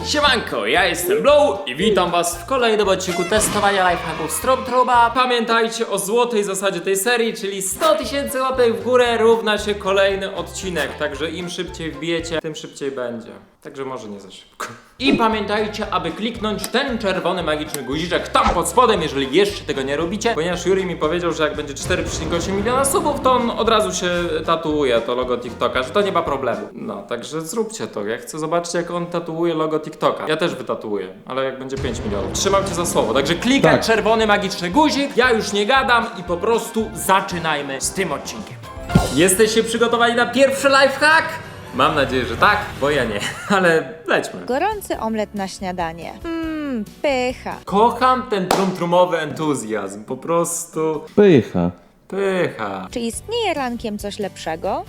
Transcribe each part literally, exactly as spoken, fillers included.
Siemanko, ja jestem Blow i witam was w kolejnym odcinku testowania lifehacków Stormtroopa. Pamiętajcie o złotej zasadzie tej serii, czyli sto tysięcy łapek w górę równa się kolejny odcinek. Także im szybciej wbijecie, tym szybciej będzie. Także może nie za szybko. I pamiętajcie, aby kliknąć ten czerwony magiczny guziczek tam pod spodem, jeżeli jeszcze tego nie robicie. Ponieważ Juri mi powiedział, że jak będzie cztery przecinek osiem miliona subów, to on od razu się tatuuje to logo TikToka, że to nie ma problemu. No, także zróbcie to. Ja chcę zobaczyć, jak on tatuuje logo TikToka. Ja też wytatuuję, ale jak będzie pięć milionów. Trzymam cię za słowo. Także klikaj Tak. czerwony magiczny guzik. Ja już nie gadam i po prostu zaczynajmy z tym odcinkiem. Jesteście przygotowani na pierwszy lifehack? Mam nadzieję, że tak, bo ja nie, ale lećmy. Gorący omlet na śniadanie. Mmm, pycha. Kocham ten trumtrumowy entuzjazm, po prostu Pycha. pycha. Czy istnieje rankiem coś lepszego?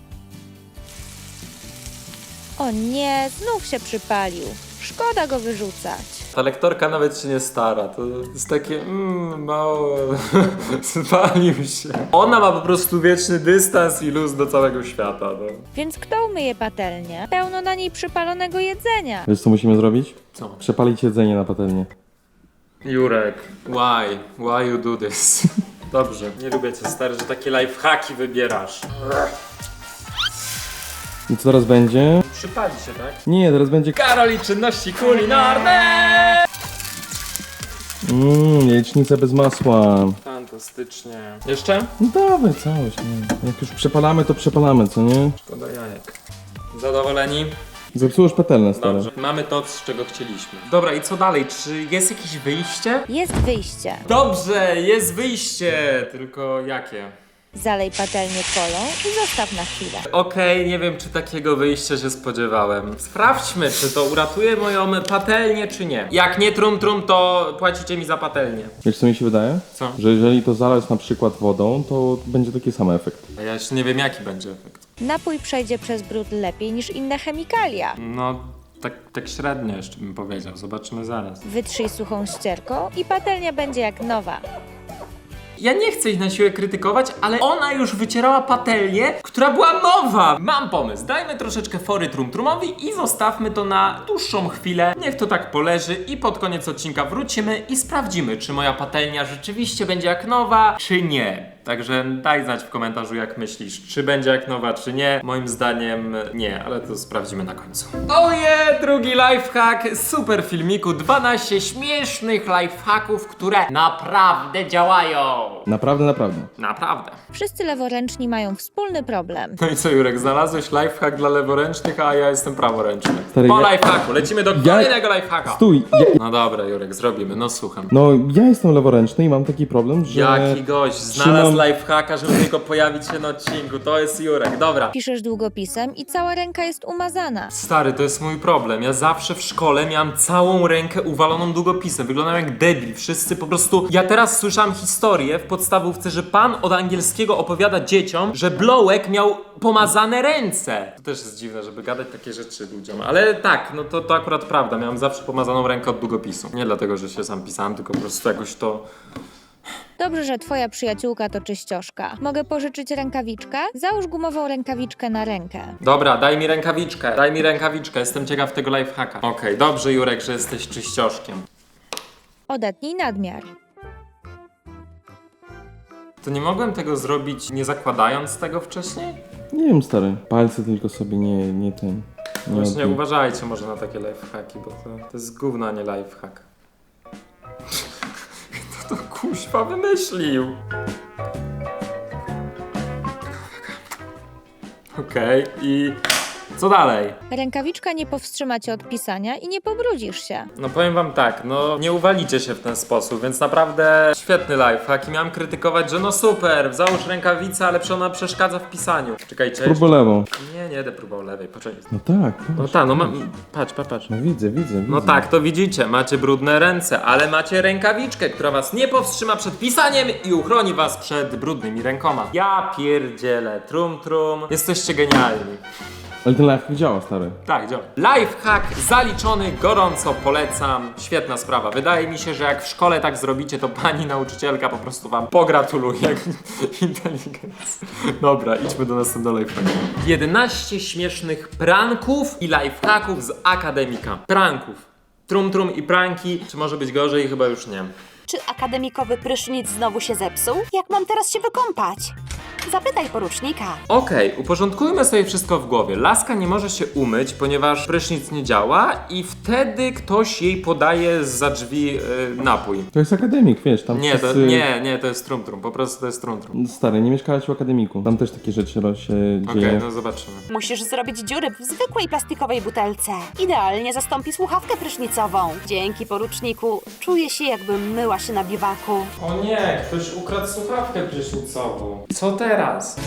O nie, znów się przypalił. Szkoda go wyrzucać. Ta lektorka nawet się nie stara, to jest takie mmm, mało, spalił się. Ona ma po prostu wieczny dystans i luz do całego świata, no. Więc kto umyje patelnię? Pełno na niej przypalonego jedzenia. Wiesz co musimy zrobić? Co? Przepalić jedzenie na patelnię. Jurek, why? Why you do this? Dobrze, nie lubię cię stary, że takie lifehacki wybierasz. I co teraz będzie? Przypali się, tak? Nie, teraz będzie... Karol i czynności kulinarne! Mmm, jajecznica bez masła. Fantastycznie. Jeszcze? No dawaj całość, nie. Jak już przepalamy, to przepalamy, co nie? Szkoda jajek. Zadowoleni? Zepsułeś patelnię, stary. Dobrze. Mamy to, z czego chcieliśmy. Dobra, i co dalej? Czy jest jakieś wyjście? Jest wyjście. Dobrze, jest wyjście! Tylko jakie? Zalej patelnię kolą i zostaw na chwilę. Okej, nie wiem, czy takiego wyjścia się spodziewałem. Sprawdźmy, czy to uratuje moją patelnię, czy nie. Jak nie trum trum, to płacicie mi za patelnię. Wiesz co mi się wydaje? Co? Że jeżeli to zalać na przykład wodą, to będzie taki sam efekt. A ja jeszcze nie wiem, jaki będzie efekt. Napój przejdzie przez brud lepiej niż inne chemikalia. No, tak, tak średnio jeszcze bym powiedział. Zobaczymy zaraz. Wytrzyj suchą ścierką i patelnia będzie jak nowa. Ja nie chcę ich na siłę krytykować, ale ona już wycierała patelnię, która była nowa. Mam pomysł, dajmy troszeczkę fory trumtrumowi i zostawmy to na dłuższą chwilę. Niech to tak poleży i pod koniec odcinka wrócimy i sprawdzimy, czy moja patelnia rzeczywiście będzie jak nowa, czy nie. Także daj znać w komentarzu, jak myślisz, czy będzie jak nowa, czy nie. Moim zdaniem nie, ale to sprawdzimy na końcu. Oje, drugi lifehack, super filmiku, dwanaście śmiesznych lifehacków, które naprawdę działają. Naprawdę, naprawdę. Naprawdę. Wszyscy leworęczni mają wspólny problem. No i co, Jurek, znalazłeś lifehack dla leworęcznych, a ja jestem praworęczny. Stary, Po ja- lifehacku, lecimy do kolejnego lifehacka. Stój! Ja... No dobra, Jurek, zrobimy, no słucham. No, ja jestem leworęczny i mam taki problem, że... Jaki gość, znalazł trzymam- lifehacka, żeby tylko pojawić się na odcinku, to jest Jurek, dobra. Piszesz długopisem i cała ręka jest umazana. Stary, to jest mój problem. Ja zawsze w szkole miałam całą rękę uwaloną długopisem. Wyglądałem jak debil. Wszyscy po prostu... Ja teraz słyszałam historię w podstawówce, że pan od angielskiego opowiada dzieciom, że Blowek miał pomazane ręce. To też jest dziwne, żeby gadać takie rzeczy ludziom. Ale tak, no to, to akurat prawda. Miałem zawsze pomazaną rękę od długopisu. Nie dlatego, że się sam pisałem, tylko po prostu jakoś to... Dobrze, że twoja przyjaciółka to czyścioszka. Mogę pożyczyć rękawiczkę? Załóż gumową rękawiczkę na rękę. Dobra, daj mi rękawiczkę. Daj mi rękawiczkę. Jestem ciekaw tego lifehacka. Okej, dobrze, Jurek, że jesteś czyścioszkiem. Odetnij nadmiar. To nie mogłem tego zrobić nie zakładając tego wcześniej? Nie wiem, stary. Palce tylko sobie nie, nie ten... Nie Właśnie odbił. uważajcie może na takie lifehacki, bo to, to jest gówno, a nie lifehack. Kto to kuźwa wymyślił? Okej, i co dalej? Rękawiczka nie powstrzyma cię od pisania i nie pobrudzisz się. No powiem wam tak, no nie uwalicie się w ten sposób, więc naprawdę świetny lifehack i miałem krytykować, że no super, załóż rękawicę, ale przecież ona przeszkadza w pisaniu. Czekajcie. Próbuj lewą. Nie, nie będę próbował lewej, poczekaj. No tak, No patrz. tak, no mam, patrz, patrz, patrz. No widzę, widzę, widzę. No tak, to widzicie, macie brudne ręce, ale macie rękawiczkę, która was nie powstrzyma przed pisaniem i uchroni was przed brudnymi rękoma. Ja pierdzielę, trum trum, jesteście genialni. Ale ten lifehack działa, stary. Tak, działa. Lifehack zaliczony, gorąco polecam. Świetna sprawa. Wydaje mi się, że jak w szkole tak zrobicie, to pani nauczycielka po prostu wam pogratuluje inteligencji. Dobra, idźmy do następnego lifehacku. jedenaście śmiesznych pranków i lifehacków z akademika. Pranków. Trum trum i pranki. Czy może być gorzej? Chyba już nie. Czy akademikowy prysznic znowu się zepsuł? Jak mam teraz się wykąpać? Zapytaj porucznika. Okej, uporządkujmy sobie wszystko w głowie. Laska nie może się umyć, ponieważ prysznic nie działa i wtedy ktoś jej podaje zza drzwi yy, napój. To jest akademik, wiesz, tam Nie, to, wszyscy... nie, nie, to jest trum trum, po prostu to jest trum trum. Stary, nie mieszkałeś w akademiku. Tam też takie rzeczy ro- się Okej, dzieje. no zobaczymy. Musisz zrobić dziury w zwykłej plastikowej butelce. Idealnie zastąpi słuchawkę prysznicową. Dzięki poruczniku czuję się, jakbym myła się na biwaku. O nie, ktoś ukradł słuchawkę prysznicową. Co teraz?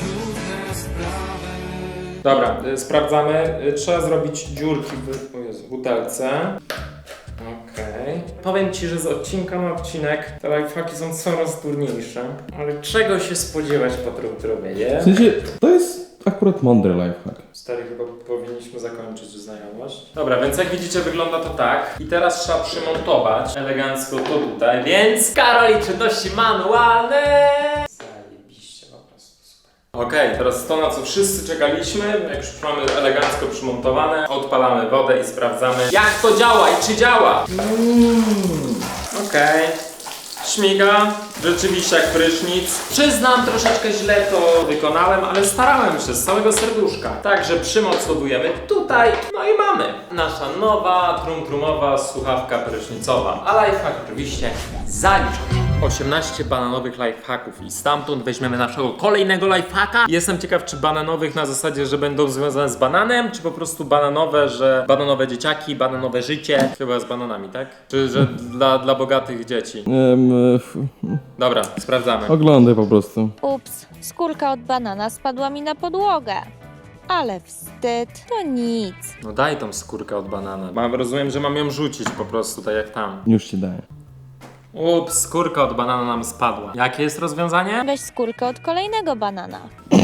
Dobra, y, sprawdzamy. Y, trzeba zrobić dziurki w, o Jezu, butelce. Okej. Powiem ci, że z odcinka na odcinek te lifehacki są coraz trudniejsze. Ale czego się spodziewać po trumtrumie, nie? W sensie, to jest akurat mądry lifehack. Stary, chyba powinniśmy zakończyć znajomość. Dobra, więc jak widzicie wygląda to tak. I teraz trzeba przymontować elegancko to tutaj, więc Karol i czynności manualne! Zajebiście, po prostu super. Okej, teraz to, na co wszyscy czekaliśmy. Jak już mamy elegancko przymontowane, odpalamy wodę i sprawdzamy, jak to działa i czy działa. Mm. Okej. Śmiga, rzeczywiście jak prysznic. Przyznam, troszeczkę źle to wykonałem, ale starałem się z całego serduszka. Także przymocowujemy tutaj, no i mamy. Nasza nowa, trum-trumowa słuchawka prysznicowa. A lifehack oczywiście zaliczony. osiemnaście bananowych lifehacków i stamtąd weźmiemy naszego kolejnego lifehacka. Jestem ciekaw, czy bananowych na zasadzie, że będą związane z bananem, czy po prostu bananowe, że bananowe dzieciaki, bananowe życie. Chyba z bananami, tak? Czy że dla, dla bogatych dzieci. Ehm, f- Dobra, sprawdzamy. oglądaj po prostu. Ups, skórka od banana spadła mi na podłogę. Ale wstyd, to nic. No daj tą skórkę od banana. Mam, rozumiem, że mam ją rzucić po prostu, tak jak tam. Już ci daję. Ups, skórka od banana nam spadła. Jakie jest rozwiązanie? Weź skórkę od kolejnego banana.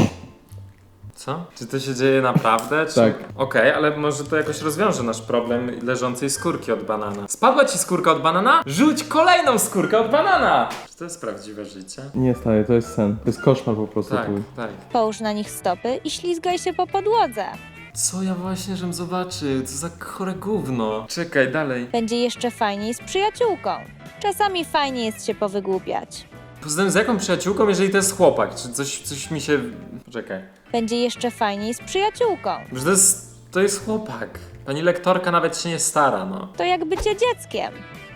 Co? Czy to się dzieje naprawdę? Czy... Tak. Okej, ale może to jakoś rozwiąże nasz problem leżącej skórki od banana. Spadła ci skórka od banana? Rzuć kolejną skórkę od banana! Czy to jest prawdziwe życie? Nie, stary, to jest sen. To jest koszmar po prostu Tak, twój. tak. Połóż na nich stopy i ślizgaj się po podłodze. Co ja właśnie, żem zobaczył? Co za chore gówno. Czekaj, dalej. Będzie jeszcze fajniej z przyjaciółką. Czasami fajnie jest się powygłupiać. Poza tym z jaką przyjaciółką, jeżeli to jest chłopak? Czy coś, coś mi się... Poczekaj. Będzie jeszcze fajniej z przyjaciółką. Że to jest... to jest chłopak. Pani lektorka nawet się nie stara, no. To jak bycie dzieckiem.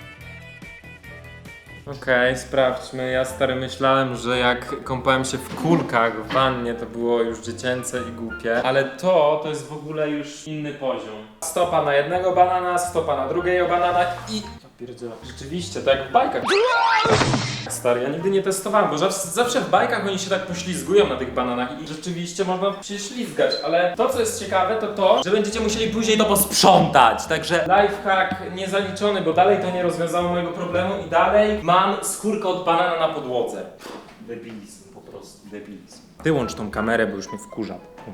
Okej, sprawdźmy. Ja stary myślałem, że jak kąpałem się w kulkach w wannie, to było już dziecięce i głupie. Ale to, to jest w ogóle już inny poziom. Stopa na jednego banana, stopa na drugiego banana i... Ja pierdzielę. Rzeczywiście, to jak w bajkach. Stary, ja nigdy nie testowałem, bo zawsze, zawsze w bajkach oni się tak poślizgują na tych bananach i rzeczywiście można się ślizgać, ale to co jest ciekawe to to, że będziecie musieli później to posprzątać, także lifehack niezaliczony, bo dalej to nie rozwiązało mojego problemu i dalej mam skórkę od banana na podłodze. Debilizm, po prostu debilizm. Wyłącz tą kamerę, bo już mnie wkurza.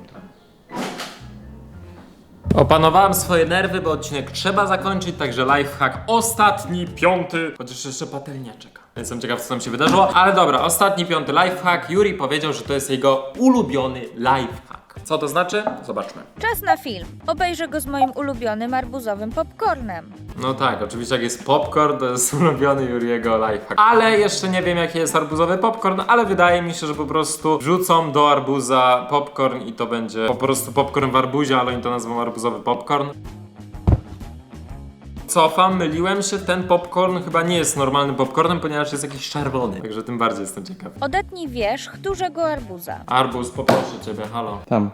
Opanowałem swoje nerwy, bo odcinek trzeba zakończyć, także lifehack ostatni, piąty, chociaż jeszcze patelnia czeka. Jestem ciekaw, co tam się wydarzyło, ale dobra, ostatni, piąty lifehack. Yuri powiedział, że to jest jego ulubiony lifehack. Co to znaczy? Zobaczmy. Czas na film. Obejrzę go z moim ulubionym arbuzowym popcornem. No tak, oczywiście jak jest popcorn, to jest ulubiony Yuriego lifehack. Ale jeszcze nie wiem, jaki jest arbuzowy popcorn, ale wydaje mi się, że po prostu wrzucą do arbuza popcorn i to będzie po prostu popcorn w arbuzie, ale oni to nazwą arbuzowy popcorn. Cofam, myliłem się, ten popcorn chyba nie jest normalnym popcornem, ponieważ jest jakiś czerwony, także tym bardziej jestem ciekaw. Odetnij wierzch dużego arbuza. Arbuz, poproszę ciebie, halo. Tam.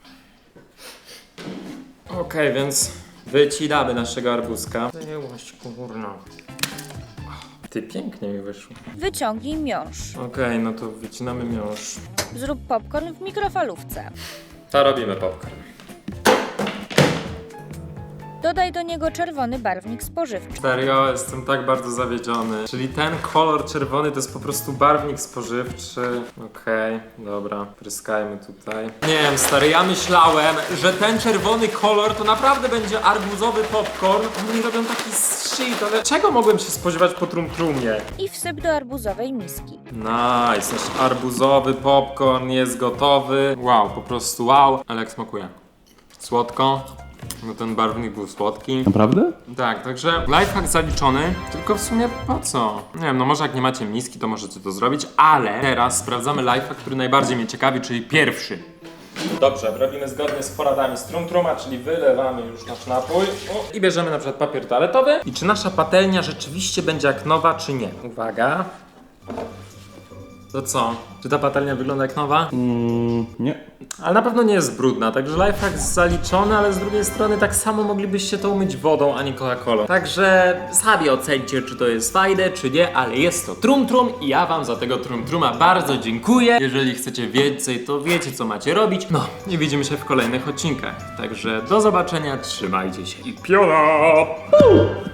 Okej, więc wycinamy naszego arbuzka. Zajęłość, kurna. Ty, pięknie mi wyszło. Wyciągnij miąższ. Okej, no to wycinamy miąższ. Zrób popcorn w mikrofalówce. To robimy popcorn. Dodaj do niego czerwony barwnik spożywczy. Serio, jestem tak bardzo zawiedziony. Czyli ten kolor czerwony to jest po prostu barwnik spożywczy. Okej, dobra, pryskajmy tutaj. Nie wiem, stary, ja myślałem, że ten czerwony kolor to naprawdę będzie arbuzowy popcorn. Oni robią taki shit, ale czego mogłem się spodziewać po trum-trumie? I wsyp do arbuzowej miski. Nice, nasz arbuzowy popcorn jest gotowy. Wow, po prostu wow. Ale jak smakuje? Słodko. No ten barwnik był słodki. Naprawdę? Tak, także lifehack zaliczony, tylko w sumie po co? Nie wiem, no może jak nie macie miski, to możecie to zrobić, ale teraz sprawdzamy lifehack, który najbardziej mnie ciekawi, czyli pierwszy. Dobrze, robimy zgodnie z poradami z Trumtruma, czyli wylewamy już nasz napój o, i bierzemy na przykład papier toaletowy. I czy nasza patelnia rzeczywiście będzie jak nowa, czy nie? Uwaga. To co? Czy ta patelnia wygląda jak nowa? Mm, nie. Ale na pewno nie jest brudna, także lifehack zaliczony, ale z drugiej strony tak samo moglibyście to umyć wodą, a nie Coca-Colą. Także sami ocencie, czy to jest fajne, czy nie, ale jest to Trumtrum i ja wam za tego Trumtruma bardzo dziękuję. Jeżeli chcecie więcej, to wiecie, co macie robić. No i widzimy się w kolejnych odcinkach. Także do zobaczenia, trzymajcie się i piona!